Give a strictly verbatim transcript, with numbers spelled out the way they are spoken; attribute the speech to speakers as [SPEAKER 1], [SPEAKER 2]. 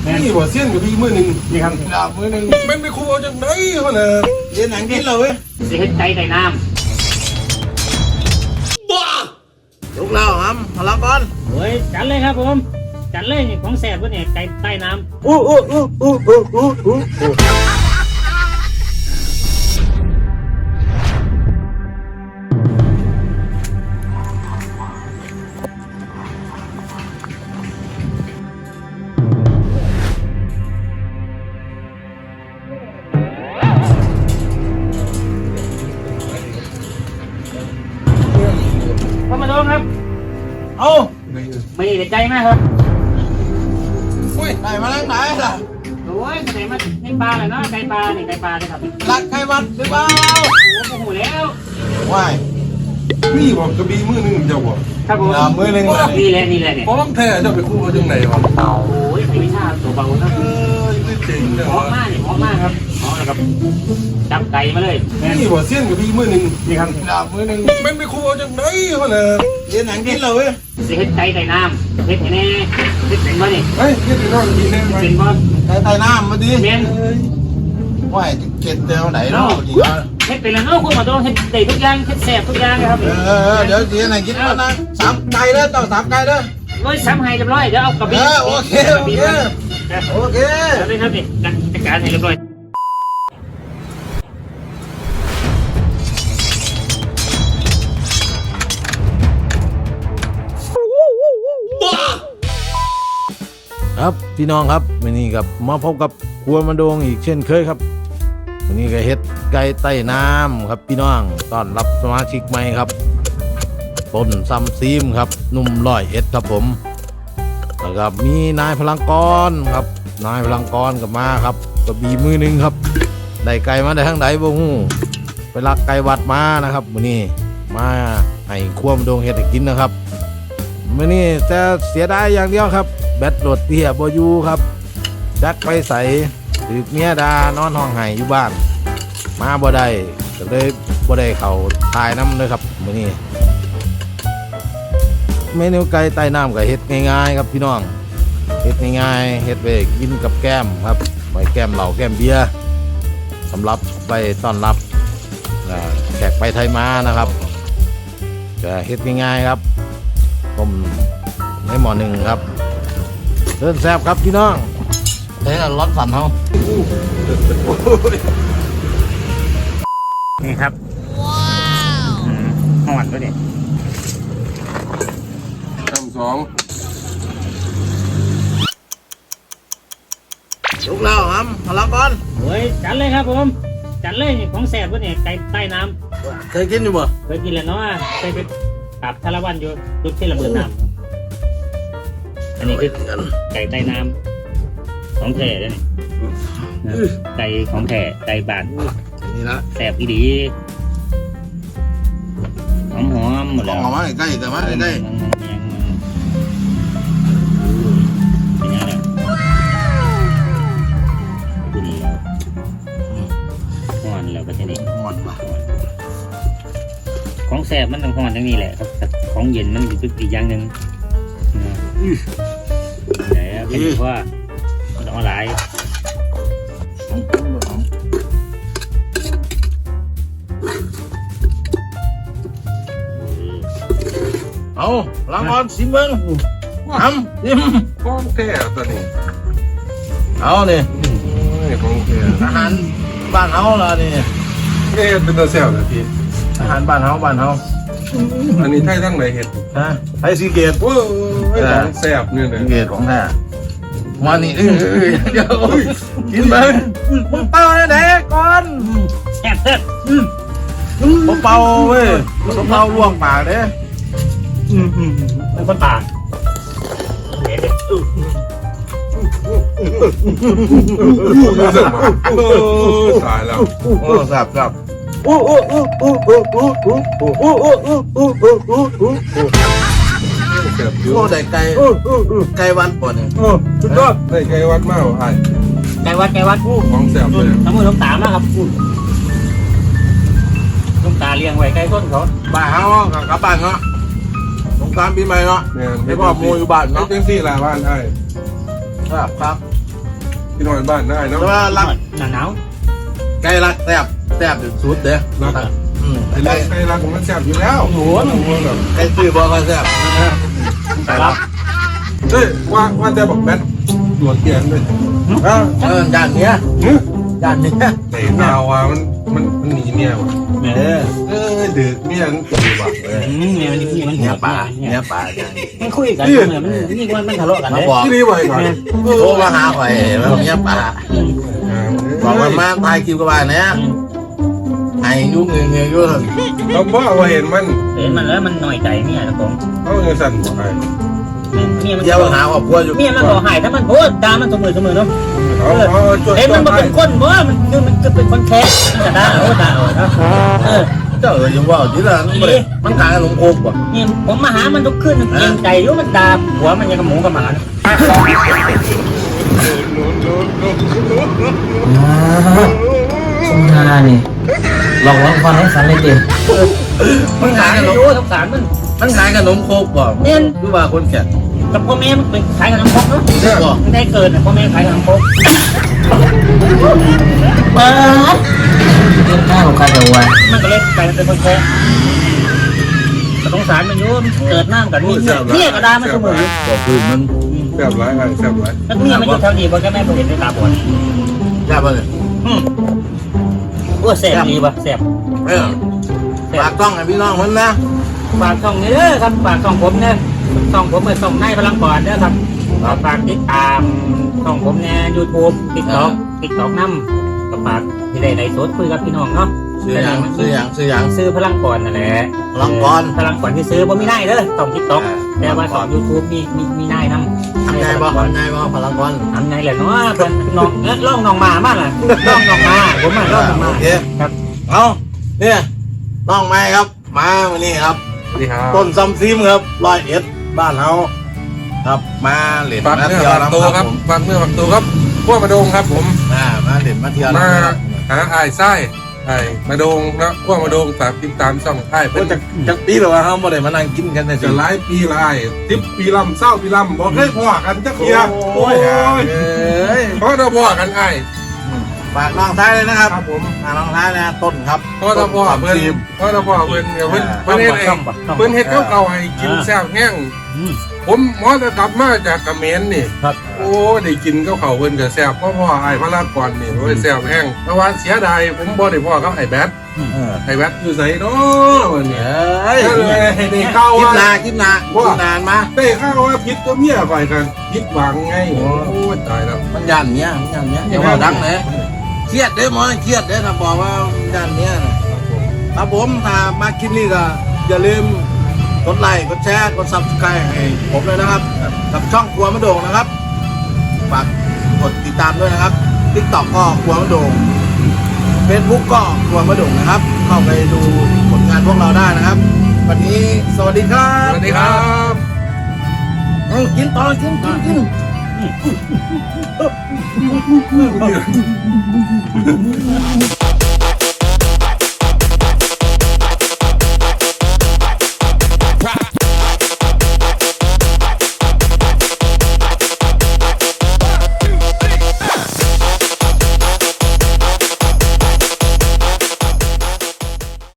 [SPEAKER 1] นี่ว่าเสี้ยนกับพี่มือหนึ่ง
[SPEAKER 2] นี่ครับ
[SPEAKER 1] ดาบมือหนึ่งมันไปคู่เอาจากไหนวะเนี่ยเรียนหนังกินเลยเว้ย
[SPEAKER 2] สิเฮ็ดไก่ใต้น้
[SPEAKER 1] ลูกเราครับพลังบอล
[SPEAKER 2] ำเฮ้ยจัดเลยครับผมจัดเลยนี่ของแซ่บวะเนี่ยไก่ใต้น้ำ
[SPEAKER 1] อู้อู้อู้อู้อู้อู้อู้
[SPEAKER 2] พ่อมาโดนครับ
[SPEAKER 1] เอา
[SPEAKER 2] ไม่ได้ใจมากครับ
[SPEAKER 1] อุ้ยไหนมาแล้วไหนล่ะ
[SPEAKER 2] โอ้ยไหนมาในปลาเลยเนาะไก่ปลาเนี่ยไก่ปลาเลยครับ
[SPEAKER 1] รักใครวัดหรือเปล่า
[SPEAKER 2] โอ้โหแล้ว
[SPEAKER 1] ว้ายนี่บอกกระบี่มือหนึ่งเจ้าบอก
[SPEAKER 2] ครับผม
[SPEAKER 1] ดาบมือหนึ่ง
[SPEAKER 2] นี่แหละนี่แหละเนี่ย
[SPEAKER 1] เพราะต้องแท้เจ้าไปคู่เอาจากไหนวะ
[SPEAKER 2] โอ้ยไม่ใช่ตัวเบานะ
[SPEAKER 1] เออนี่เจ๋งเลย
[SPEAKER 2] หอมมากเนี่ยหอมมากครับหอมนะครับจับไก่มาเลยแม่น
[SPEAKER 1] นี่ว่าเสี้ยนกับพี่มือหนึ่ง
[SPEAKER 2] นี่ครับ
[SPEAKER 1] ดาบมือหนึ่งมันไปคู่เอาจากไหนวะเนี่ยเรียนหนังกินเลยเว้ย
[SPEAKER 2] สิเฮ็ดไก่ใต้น้ำเฮ็ดแน่เฮ็ดเป็นบ่นี่
[SPEAKER 1] เฮ้ยเรียนนอนกินได้ไหม
[SPEAKER 2] เป็นบ่
[SPEAKER 1] ใส่ใต้น้ำมาดิ
[SPEAKER 2] แม่น
[SPEAKER 1] ว่าจะเก็บเดียวไหนเนาะดี
[SPEAKER 2] เฮ็ดเป็นแล้วเนาะคุณมาโดนเฮ็ดได้ทุกอย่างเฮ็ดแซ่บทุกอย่างเลยครับ
[SPEAKER 1] เออเดี๋ยวทีไหนกินมานะสามไก่เด้อต้องสามไก่เด้อ
[SPEAKER 2] ร้อยซ้ำให้เรียบร้อยเดี๋ยวเอากระ
[SPEAKER 1] เอ
[SPEAKER 2] บี่
[SPEAKER 1] อโอเคโอเคโอเค
[SPEAKER 2] เอาเลยครับนี่จัดการให้เรียบร้อย
[SPEAKER 3] ครับพี่น้องครับวันนี้กับมาพบกับครัวมาโดงอีกเช่นเคยครับวันนี้ก็เฮ็ดไก่ใต้น้ำครับพี่น้องต้อนรับสมาชิกใหม่ครับต้นซัมซีมครับหนุ่มร้อยเอ็ดครับผมแล้วก็มีนายพลังกรครับนายพลังกรกับมาครับกระบี่มือหนึ่งครับได้ไก่มาได้ทั้งใดบ่ฮู้ไปลักไก่วัดมานะครับวันนี้มาให้ครัวมาโดงเฮ็ดให้กินนะครับวันนี้จะเสียดายอย่างเดียวครับแบตโหลดเตี้ยบอยู่ครับจักไปใส่ถือเมียดานอนห้องไห้อยู่บ้านมาบ่ได้ก็เลยบ่ได้เข้าถ่ายน้ำเลยครับมื้อนี้เมนูไก่ใต้น้ำก็เฮ็ดง่ายๆครับพี่น้องเฮ็ดง่ายๆเฮ็ดไปกินกับแก้มครับไว้แก้มเหล้าแก้มเบียร์สำหรับไปต้อนรับแขกไปไทยมานะครับก็เฮ็ดง่ายๆครับต้มในหม้อหนึ่งครับเดินแซ่บครับพี่น้องเฮ้ยร้อนสั่นเฮา
[SPEAKER 2] นี่ครับว้าวหอดด้วยเนี่ย
[SPEAKER 1] คำสองลูกเราครับพลังบอล
[SPEAKER 2] เฮ้ยจัดเลยครับผมจัดเลยนี่ของแซ่บวะเนี่ยไก่ใต้น้ำ
[SPEAKER 1] เคยกินอยู่บ่
[SPEAKER 2] เคยกินแล้วเนาะเคยไปปราบทารวันอยู่ยุคที่ระเบิดน้ำอันนี้คือไก่ใต้น้ำของแท้เลยนี่ไก่ของแท้ไก่บ้าน
[SPEAKER 1] นี่นะ
[SPEAKER 2] แซ่บอีดีหอมหอมๆหมด
[SPEAKER 1] ลอ
[SPEAKER 2] แล้
[SPEAKER 1] ง
[SPEAKER 2] ว
[SPEAKER 1] ออกมาใกล้แต่ว่าใกล้
[SPEAKER 2] เป็นยังไงเนี่ยดูดีแล้วหอนแล้วก็จะนี่
[SPEAKER 1] หมดป่ะ
[SPEAKER 2] ของแซ่บมันต้องหอนทั้งนี้แหละครับแต่ของเย็นมันอยู่อีกอย่างหนึ่งนะแต่เป็นเพราะว่ามันต้องเอาหลาย
[SPEAKER 3] เอาล้างบอลสิเบิ้งทำซิม
[SPEAKER 1] ของแท้ตัวนี้
[SPEAKER 3] เอาเนี่ย
[SPEAKER 1] นี่ของแท้
[SPEAKER 3] อาหารบ้านเฮาล่ะนี่
[SPEAKER 1] เอ๊ะเป็นตัวแซ่บนะพี่
[SPEAKER 3] อาหารบ้านเฮาบ้านเฮา
[SPEAKER 1] อันนี้ไทยทั้งไหนเห็ด
[SPEAKER 3] ฮะไทยซีเกต
[SPEAKER 1] โอ้ยของแซ่บนี่เลย
[SPEAKER 3] ซีเกตของแท้วันนี้เออเดี๋ยวกินเบิ้งมึงเป่าเนี่ยเด็กก่อน
[SPEAKER 2] แซ่บแซ่บ
[SPEAKER 3] บ่เป่าเว้ยบ่เป่าล่วงปากเด้
[SPEAKER 2] เป็นคนป่าเด็ด
[SPEAKER 1] ตายแล้ว
[SPEAKER 3] โอ้แซ่บแซ่บโอ้โอ้โอ้โอ้โอ้โอ้โอ้โอ้โอ้โอ้โอ้โอ้โอ้โอ้โอ้
[SPEAKER 1] แซ่บอยู่
[SPEAKER 3] โอ้ได้ไก่ไก่วันป่ะเนี่ย
[SPEAKER 1] สุดยอดได้ไก่วัดมากไอ้
[SPEAKER 2] ไก่วัดไก่วัดกู้
[SPEAKER 1] ของแซ่บเลย
[SPEAKER 2] ทั้งมือทั้งตามนะครับกู้ต้องตาเลี้ยงไว้ใกล้ต้นเขา
[SPEAKER 3] บ้านเฮากับกลับบ้านเนาะสงกรานต์ปีใหม่เนาะ
[SPEAKER 1] เนี่ย
[SPEAKER 3] ให้พ่อโมอยู่บ้าน
[SPEAKER 1] เนาะ
[SPEAKER 3] เนาะ
[SPEAKER 1] เป็นสี่ละบ้านไอ้
[SPEAKER 3] ครับครับ
[SPEAKER 1] พี่น้อยบ้านได้เนาะ
[SPEAKER 3] แต่ว่ารัก
[SPEAKER 2] หนาหนาว
[SPEAKER 3] ไก่รักแซ่บแซ่บสุดเด้อ
[SPEAKER 1] รัก
[SPEAKER 3] อืม
[SPEAKER 1] ไอ้รักไอ้รักมันแซ่บอยู่แล้ว
[SPEAKER 2] โอ้โห
[SPEAKER 1] แบบ
[SPEAKER 3] ไก่ซื้อบ่ก็แซ่บ
[SPEAKER 2] ไก่รับ
[SPEAKER 1] เฮ้ยว่าว่าแต่บอกแบทหลวงเกียนเลย
[SPEAKER 3] เออเออด้านเนี้ยด้านเนี้ย
[SPEAKER 1] แต่ดาวอ่ะมันมันมันหนีเมียว่ะ
[SPEAKER 2] แม่
[SPEAKER 3] เออ
[SPEAKER 1] เออดึกเมียมันตีว่ะเออ
[SPEAKER 2] อืมแม่มันนี่มัน
[SPEAKER 3] เนื้อปลา
[SPEAKER 2] เนี่
[SPEAKER 3] เนื้
[SPEAKER 2] ย
[SPEAKER 3] อปลา
[SPEAKER 2] มันคุยกันเหมือนมันนี่มันมันทะเลาะกัน
[SPEAKER 3] มา
[SPEAKER 2] เลย
[SPEAKER 3] บอก
[SPEAKER 1] ที่นี่บ่อยก่อน
[SPEAKER 3] โทรมาหาข่อยแล้วเนื้อปลาบอกว่ามาถ่ายคลิปกับบ้านเนี่ยไอ้ยุ่งเงี้ยเงี้ยยุ่ง
[SPEAKER 1] เขาบอกว่าเห็นมัน
[SPEAKER 2] เห็นมันแล้วมันหน่อยใจเมียนะผม
[SPEAKER 1] เขาเงินสั่นบอกไอ้
[SPEAKER 2] เมียมัน
[SPEAKER 3] เดี๋ยวหาว่าพัวอยู่
[SPEAKER 2] เมียมันบอกหายถ้ามันโพสตามมันเสมอเสมอเนาะ
[SPEAKER 1] เขาเขาจด
[SPEAKER 2] เห็นมันมาเป็นคนบ่มันคือมันก็เป็นคนแค้นมันก็ได้โอ้ด่าโอ้เนาะเออ
[SPEAKER 3] เจ้าเอ๋ยยังว่าจีละมันขายขนมโคกป่ะ
[SPEAKER 2] นี่ผมมาหามันทุกคืนมันเกรงใจอยู่มันด่าหัวมันยังกับหมูกับหมา
[SPEAKER 4] สงหานี่หลอกลวงความให้สันเลยดิ
[SPEAKER 2] มันขายกันอยู่สงสารมัน
[SPEAKER 3] มันขายขนมโคกป่ะ
[SPEAKER 2] เนี่ย
[SPEAKER 3] คือว่าคนแก่
[SPEAKER 2] กับพ่อแม่มันเป็นขายขนมครกเนาะ
[SPEAKER 3] ป่ะ
[SPEAKER 2] มันได้เกิดพ่อแม่ขายขนมครก
[SPEAKER 4] เปิดเรื่องข้าวของใครเอาไว้
[SPEAKER 2] มันก็เลยกลายเป็นคนแค้นแต่สงสารมันอยู่มันเกิดหน้ากันมีเนี่ยก็ด่ามันเสมอ
[SPEAKER 3] บอกคือมัน
[SPEAKER 1] แซ่บไรไอ้แซ่บไร
[SPEAKER 2] แล้วเมียมันอยู่แถวนี้บ่แกแม่บ่เห็นในตาบอด
[SPEAKER 3] แซ่บเลย
[SPEAKER 2] อืมโอ้แสบดีป่ะแสบ
[SPEAKER 3] เออฝากต้องให้พี่น้องมันนะ
[SPEAKER 2] ฝากช่องนี้เด้อครับฝากช่องผมเนี่ยช่องผมเมื่อช่องในพลังปอดเด้อครับฝากติดตามช่องผมเนี่ยยูทูบติ๊กต็อกติ๊กต็อกน้ำก็ฝากที่ได้ในสดคุยกับพี่น้องเนาะ
[SPEAKER 3] ซื้ออย่างซื้ออย่างซื้ออย่าง
[SPEAKER 2] ซื้อพลังปอดนั่นแหละ
[SPEAKER 3] พลังปอน
[SPEAKER 2] พลังปอดที่ซื้อผมไม่ได้เด้อต้องติ๊กต็อกแต่ว่าช่องยูทูบมีมีมีได้น้ำ
[SPEAKER 3] ทำไงบ่ทำไงบ่พลังปอน
[SPEAKER 2] ทำไงแหละเนาะเป็นน้องเอ๊ะล่องน้องมามากล่ะล่องน้องมาผมมาล่องน้องมา
[SPEAKER 3] โอเค
[SPEAKER 2] ครับ
[SPEAKER 3] เอาเนี่ยน้องไม้ครับ มาวันนี้ครับ
[SPEAKER 1] สวัสดีครับ
[SPEAKER 3] ต้นซัมซิมครับร้อยเอ็ดบ้านเฮาครับมาเหรียญ
[SPEAKER 1] ฝาก
[SPEAKER 3] มา
[SPEAKER 1] เนื้อ
[SPEAKER 3] เที่ยว
[SPEAKER 1] ฝาก
[SPEAKER 3] นะ
[SPEAKER 1] ตัว
[SPEAKER 3] ค
[SPEAKER 1] ค
[SPEAKER 3] รั
[SPEAKER 1] รั
[SPEAKER 3] บบ ผม
[SPEAKER 1] ฝากเนื้อฝากตัวครับพวกมาโดงครับผม
[SPEAKER 3] อ่ามาเหรียญมาเที่ยว
[SPEAKER 1] มา
[SPEAKER 3] นะครับ
[SPEAKER 1] หาไอ้ไส้ไอ้มาโดงนะพวกมาโดงฝากติดตามช่องไอ้
[SPEAKER 3] โอ้
[SPEAKER 1] เป็น
[SPEAKER 3] จากจากปีหรอวะเฮาบ่ได้มานั่งกินกันใน
[SPEAKER 1] จะหลายปีละไอ้ทิปปีลำเศร้าปีลำบอกให้พ่อกันจักเทีย
[SPEAKER 3] โอ้ยเอ้ย
[SPEAKER 1] เพราะเราพ่อกันไอ้
[SPEAKER 3] ฝากน้องท้ายเลยนะครับ
[SPEAKER 1] ครับผม
[SPEAKER 3] ฝากน้องท้ายนะต้นครับ
[SPEAKER 1] เพราะเราพ่อเพิ่น
[SPEAKER 3] ต้น
[SPEAKER 1] เพราะเราพ่อเพิ่นเดี๋ยวเพิ่นเพิ่นเฮ็ดเองเพิ่นเฮ็ดเก่าๆให้กินแซ่บแห้ง
[SPEAKER 2] อืม
[SPEAKER 1] ผมหมอจะกลับมาจากเขมรนี่
[SPEAKER 2] ครับ
[SPEAKER 1] โอ้ได้กินข้าวเขาเพิ่นก็แซ่บเพราะพ่อไอ้พระรากรนี่โอ้ยแซ่บแห้งแต่ว่าเสียดายผมบ่ได้พ่อกับไอ้แบท
[SPEAKER 3] เออ
[SPEAKER 1] ไอ้แบทอยู่ไสเนาะวันนี้
[SPEAKER 3] เอ้ย
[SPEAKER 1] ก็เลยให้ได้เข้า
[SPEAKER 3] คิด
[SPEAKER 1] ว่า
[SPEAKER 3] นาคิดนาคิดนานมา
[SPEAKER 1] ได้เข้าว่าพิษตัวเมียไปกันพิษหวังไงโอ้ยตายแล้ว
[SPEAKER 3] มันยันเนี้ยมันยันเนี้ยอย่าว่าดังเลยเครียดเด้อหมอเครียดเด้อถ้าบอกว่ามันยันเนี้ยนะครับผมถ้ามาคลิปนี้ก็อย่าลืมกดไลค์กดแชร์กดซับสไครต์ให้ผมเลยนะครับ กับช่องครัวมะโด่งนะครับฝากกดติดตามด้วยนะครับทิกตอกก็ครัวมะโด่งเฟซบุ๊กก็ครัวมะโด่งนะครับ เข้าไปดูผลงานพวกเราได้นะครับ วันนี้สวัสดีครั
[SPEAKER 1] ส
[SPEAKER 3] บ
[SPEAKER 1] วัสดีครับ
[SPEAKER 3] เอากินต่อกินกินกิน